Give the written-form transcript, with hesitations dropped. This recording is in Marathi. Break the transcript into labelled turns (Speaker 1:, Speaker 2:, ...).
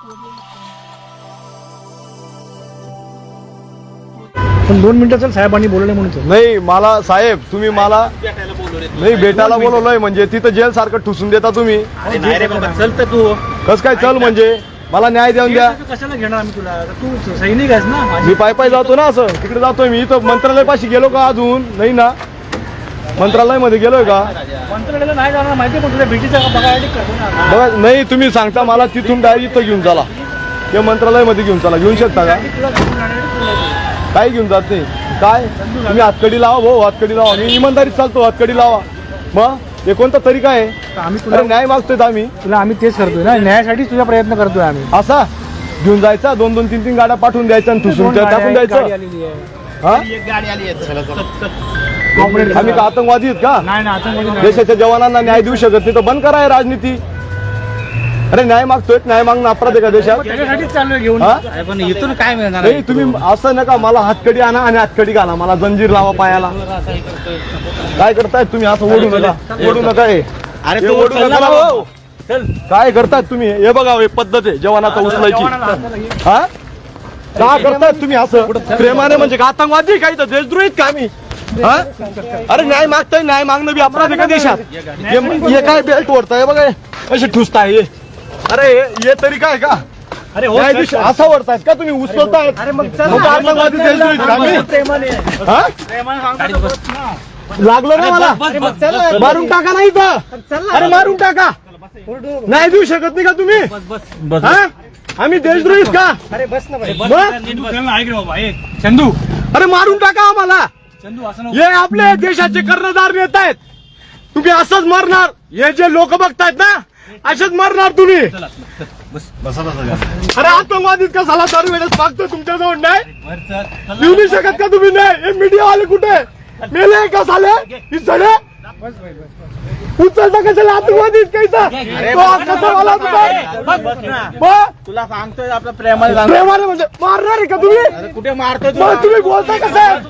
Speaker 1: पण 2 मिनिटाचं साहेबांनी बोलले म्हणून
Speaker 2: नाही मला साहेब तुम्ही मला नाही भेटायला बोलवलंय म्हणजे तिथं जेल सारखं ठुसून देता तुम्ही.
Speaker 1: चल तर तू
Speaker 2: कस काय चल म्हणजे मला न्याय देऊन द्या.
Speaker 1: कशाला घेणार आम्ही तुला, तू सैनिक आहेस ना.
Speaker 2: मी पाय जातो ना, असं तिकडे जातोय मी. इथं मंत्रालय पाशी गेलो का अजून नाही ना? मंत्रालय मध्ये गेलोय का?
Speaker 1: मंत्रालयाला नाही जाणार माहिती, पण तुझ्या भेटीचा
Speaker 2: बघा नाही तुम्ही सांगता मला तिथून डायरेक्ट इथं घेऊन चला, ते मंत्रालय मध्ये घेऊन चला. घेऊन शकता का? काय घेऊन जात नाही काय? तुम्ही हातकडी लावा भाऊ, हातकडी लावा. मी इमानदारीत चालतो, हातकडी लावा. मग हे कोणता तरीका आहे?
Speaker 1: आम्ही तुला
Speaker 2: न्याय मागतोय आम्ही
Speaker 1: तुला, आम्ही तेच करतोय ना, न्यायासाठीच तुझा प्रयत्न करतोय आम्ही.
Speaker 2: असा घेऊन जायचा 2-2, 3-3 गाड्या पाठवून द्यायच्या आणि ठुसून टाकून द्यायचं. हा आम्ही का आतंकवादी आहेत का?
Speaker 1: नाही ना, आता
Speaker 2: देशाच्या जवानांना न्याय देऊ शकत नाही तर बंद करा हे राजनीती. अरे न्याय मागतोय, न्याय मागणं अपराध आहे का देशात?
Speaker 1: त्याच्यासाठीच चाललोय घेऊन.
Speaker 3: पण इथून काय मिळणार?
Speaker 2: नाही तुम्ही असं नका, मला हातकडी आणा आणि हातकडी घाला, मला जंजीर लावा पायाला. काय करताय तुम्ही? असं ओढू नका, ओढू नका.
Speaker 3: अरे
Speaker 2: हे
Speaker 3: तू
Speaker 2: ओढू
Speaker 3: चल ना
Speaker 2: नका
Speaker 3: भाऊ.
Speaker 2: हो. काय करताय तुम्ही? हे बघा हे पद्धत आहे जवानाचा उचलायची. हा का करताय तुम्ही असं प्रेमाने? म्हणजे का आतंकवादी काही तर देशद्रोहीत का आम्ही? हा अरे न्याय मागताय, न्याय मागणं बी अपराध आहे का देशात? हे काय बेल्ट ओढताय बघा, असे ठुसताय. अरे हे तरी काय का?
Speaker 1: अरे
Speaker 2: न्यायाधीश असा ओढतायत का तुम्ही? उचलतायत.
Speaker 1: अरे मग
Speaker 2: आतंकवादी देशद्रोहीत का आम्ही? हा लागलं ना मला? मारून टाका नाही तर. अरे मारून टाका. नाही देऊ शकत नाही का तुम्ही? हा आम्ही देशद्रोहीत का?
Speaker 1: अरे बस ना भाई.
Speaker 2: चंदू अरे मारून टाका आम्हाला.
Speaker 1: चंदू असं
Speaker 2: हे आपले देशाचे कर्णधार नेता आहेत. तुम्ही असंच मरणार. हे जे लोक बघतायत ना, असेच मरणार तुम्ही. अरे आतंकवादीत का झाला दारू वेळेस मागतो तुमच्याजवळ नाही देऊ नाही शकत का तुम्ही? नाही हे मीडियावाले कुठे मेले का झाले? ही सडे उचलता कशाला? आतंकवादीत कैसा
Speaker 3: तुला सांगतोय आपल्या प्रेमाला
Speaker 2: प्रेमाने म्हणजे मारणार आहे का तुम्ही?
Speaker 3: कुठे मारतोय
Speaker 2: मग तुम्ही बोलताय कसं?